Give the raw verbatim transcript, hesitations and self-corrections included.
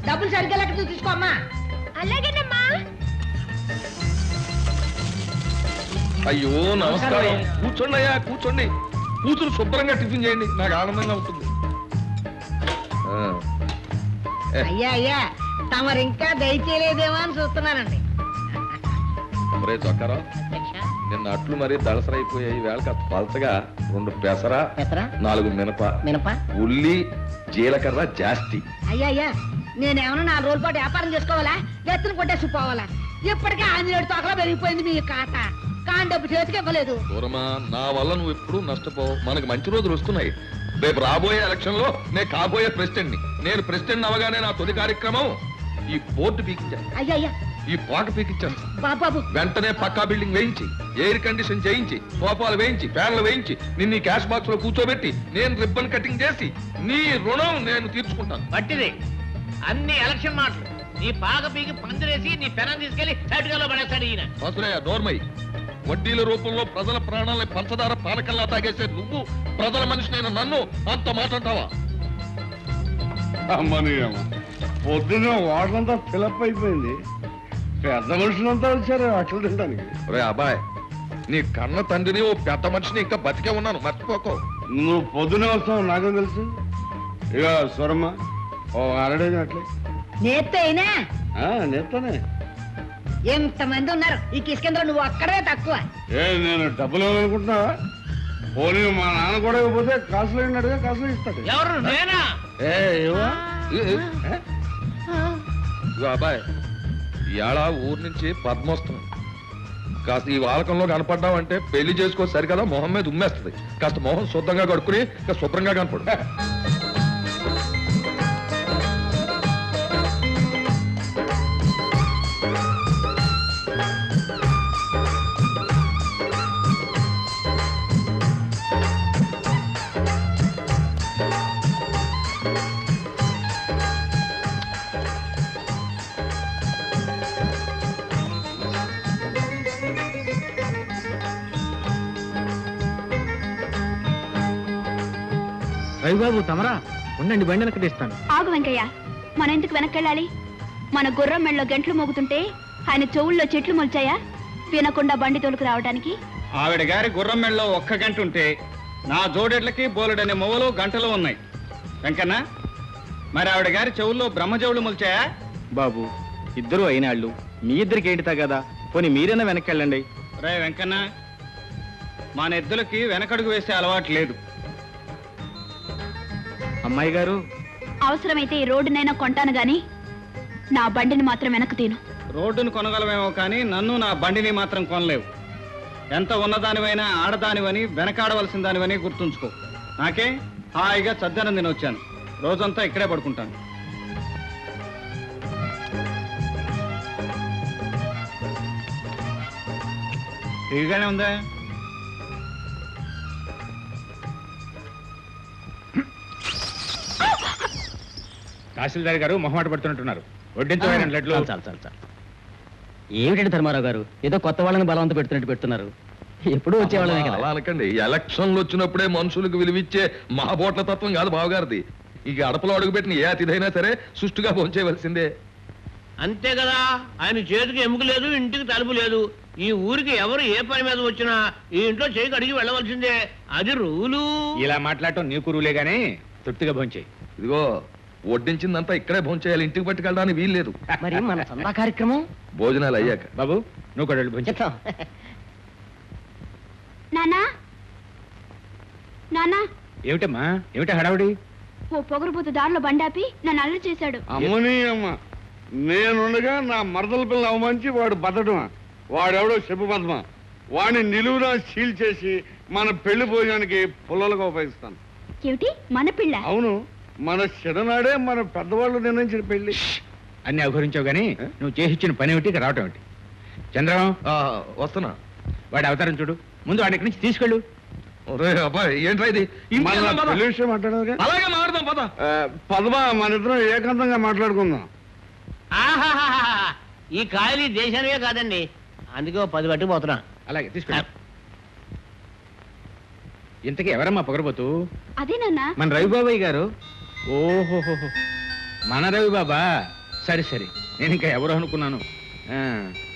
డబ్బులు సరిగ్గా లెక్క తీసుకోమ్మా. అలాగేనమ్మా. అయ్యో నమస్కారం. కూర్చోండి అయ్యా, కూర్చోండి. కూతురు శుభ్రంగా టిఫిన్ చేయండి, నాకు ఆనందంగా ఉంటుంది. అయ్యా అయ్యా తమరు ఇంకా దయచేయలేదేమో అని చూస్తున్నానండి. మరే చొక్కారా, నిన్న అట్లు మరీ దళసరైపోయాయి. వేళ కాస్త పలచగా రెండు పెసర, నాలుగు మినప మినప ఉల్లి, జీలకర్ర జాస్తి. అయ్యా అయ్యా నేనేమన్నా నాలుగు రోజుల పాటు వ్యాపారం చేసుకోవాలా, ఎత్తున కొట్టేసి పోవాలా? ఇప్పటికే ఆంజనేయుడు తోకలో పెరిగిపోయింది మీ కాట. కాని డబ్బు చేతికి ఇవ్వలేదు. దూరమా, నా వల్ల నువ్వు ఎప్పుడు నష్టపోవు. మనకు మంచి రోజులు వస్తున్నాయి. రేపు రాబోయే ఎలక్షన్ లో నేను కాబోయే ప్రెసిడెంట్ ని. నేను ప్రెసిడెంట్ అవగానే నా తొలి కార్యక్రమం ఈ బోర్డు పీకించాను. అయ్యా అయ్యా ఈ పాట పీకించాను. బాబాబు వెంటనే పక్కా బిల్డింగ్ వేయించి, ఎయిర్ కండిషన్ చేయించి, సోఫాలు వేయించి, ఫ్యాన్లు వేయించి, నిన్ను క్యాష్ బాక్స్ లో కూర్చోబెట్టి నేను రిబ్బన్ కటింగ్ చేసి నీ రుణం నేను తీర్చుకుంటాను. పట్టిది అన్ని ఎలక్షన్ మాటలు. నీ పాక పీకి పందిరేసి నీ పెనం తీసుకెళ్లి చటుకలో పడేస్తాడు ఈయన. వసులయ్య నోర్మై. వడ్డీల రూపంలో ప్రజల ప్రాణాలని పంచదార పానకల్లా తాగేసే నువ్వు ప్రజల మనిషినైన నన్ను అంత మాట్లాడతావా? అమ్మని అమ్మ, పొద్దున్న వాటంతా ఫిలప్ అయిపోయింది. పెద్ద మనుషులంతా వచ్చారు అట్లు తినడానికి. రే అబ్బాయ్, నీ కన్న తండ్రిని ఓ పెద్ద మనిషిని ఇంకా బతికే ఉన్నాను, మర్చిపోకో. నువ్వు పొద్దునే వస్తావు నాకేం తెలుసు. ఇక స్వరమ్మ ఓ అరడేది అట్లే నేత్తే అయినా నేర్తానే. ఎంతమంది ఉన్నారు ఈ కిష్కేంద్రం, నువ్వు అక్కడే తక్కువ. ఏ నేను డబ్బులు ఇవ్వాలనుకుంటున్నావా? పోనీ మా నాన్న కూడా ఇవ్వకపోతే కాసులు అయినట్టుగా కాసులు ఇస్తాడు. ఎవరు నేనా? ఏ ఇవ్వా అబ్బాయ్, ఇవాళ ఊరు నుంచి పద్మ వస్తుంది. కాస్త ఈ వాలకంలో కనపడ్డావంటే పెళ్లి చేసుకో సరికదా మొహం మీద ఉమ్మేస్తుంది. కాస్త మొహం శుద్ధంగా కడుక్కుని శుభ్రంగా కనపడు. రవిబాబు తమరా ఉండండి, బండి వెనక్కి తీస్తాను. ఆగు వెంకయ్య, మన ఎందుకు వెనక్కెళ్ళాలి? మన గుర్రం మెళ్ళలో గంటలు మోగుతుంటే ఆయన చెవుల్లో చెట్లు మొల్చాయా వినకుండా బండి తోలుకు రావడానికి? ఆవిడ గారి గుర్రం మెళ్ళలో ఒక్క గంట ఉంటే నా జోడెడ్లకి బోలెడనే మొవలు గంటలు ఉన్నాయి. వెంకన్న, మరి ఆవిడ గారి చెవుల్లో బ్రహ్మజవులు మొల్చాయా? బాబు ఇద్దరు అయినాళ్ళు, మీ ఇద్దరికి ఏంటితా కదా, పోనీ మీరైనా వెనక్కెళ్ళండి. రే వెంకన్న, మన ఎద్దులకి వెనకడుగు వేసే అలవాటు లేదు. అమ్మాయి గారు, అవసరమైతే ఈ రోడ్డునైనా కొంటాను గాని నా బండిని మాత్రం వెనక్కు తీను. రోడ్డును కొనగలమేమో కానీ నన్ను నా బండిని మాత్రం కొనలేవు. ఎంత ఉన్నదానివైనా ఆడదానివని వెనకాడవలసిన దానివని గుర్తుంచుకో. నాకే హాయిగా చద్దనం తినొచ్చాను. రోజంతా ఇక్కడే పడుకుంటాను. ఇదిగానే ఉందా? తహసీల్దార్ గారు మొహమాట పడుతున్నట్టున్నారు. వడ్డించమైన లడ్లు. చాలు చాలు చాలు. ఏమిటండి ధర్మారావు గారు, ఏదో కొత్త వాళ్ళని బలవంత పెడుతున్నట్టు పెడుతున్నారు. ఎప్పుడు వచ్చేవాళ్ళమే కదా. అలా అనకండి. ఎలక్షన్లు వచ్చినప్పుడే మనుషులకు విలువిచ్చే మహాబోట్ల తత్వం కాదు బావగారిది. ఇక అడపలో అడుగుపెట్టిన ఏ అతిథైనా సరే సుష్టుగా భోంచేయవలసిందే. అంతే కదా. ఆయన చేతికి ఎముక లేదు, ఇంటికి తలుపు లేదు. ఈ ఊరికి ఎవరు ఏ పని మీద వచ్చినా ఈ ఇంట్లో చేయికి అడిగి వెళ్ళవలసిందే. అది రూలు. ఇలా మాట్లాడటం నీకు రూలే గానీ తృప్తిగా భోంచేయి. ఇదిగో వడ్డించిందంతా ఇక్కడే భోంచేయాలి, ఇంటికి పట్టుకెళ్ళడానికి వీలు లేదు. మరి మన సందా కార్యక్రమం భోజనాలు అయ్యాక. బాబు నువ్వు కూడా భోంచేస్తాం. నానా నానా ఏమిటమ్మా, ఏమిటా హడావుడి? ఓ పొగరుబోతు దారిలో బండాపి నన్ను అల్లరి చేశాడు. అమ్మని అమ్మ, నేనుండగా నా మరదల పిల్ల అవమానించి వాడు బతడమా? వాడెవడో చెప్పు పద్మ. వాడిని నిలువునా సీల్ చేసి మన పెళ్లి భోజనానికి పుల్లలుగా ఉపయోగిస్తాను. ఏమిటి మన పిల్ల? అవును, మన చిన్ననాడే మన పెద్దవాళ్ళు నిర్ణయించిన పెళ్లి. అన్ని అవహరించావు గానీ నువ్వు చేసిచ్చిన పని ఏమిటి, రావటం ఏమిటి? చంద్రం వస్తున్నా. వాడి అవతారం చూడు. ముందు వాడి ఇక్కడి నుంచి తీసుకెళ్ళు. అబ్బాయి ఏంట్రా ఇది? పెళ్లి విషయం మాట్లాడదు. అలాగే మాట్లాడదాం పద. పద్మ, మన ఇద్దరం ఏకాంతంగా మాట్లాడుకుందాం. ఆహాహా, ఈ కాయలు దేశానివే కాదండి, అందుకే పది పట్టుకుపోతున్నా. అలాగే తీసుకెళ్ళు. ఇంతకీ ఎవరమ్మా పొగరబోతు? అదే నాన్న, మన రవిబాబాయ్ గారు. ఓహోహో, మన రవి బాబా సరే సరే నేను ఇంకా ఎవరు అనుకున్నాను ఆ,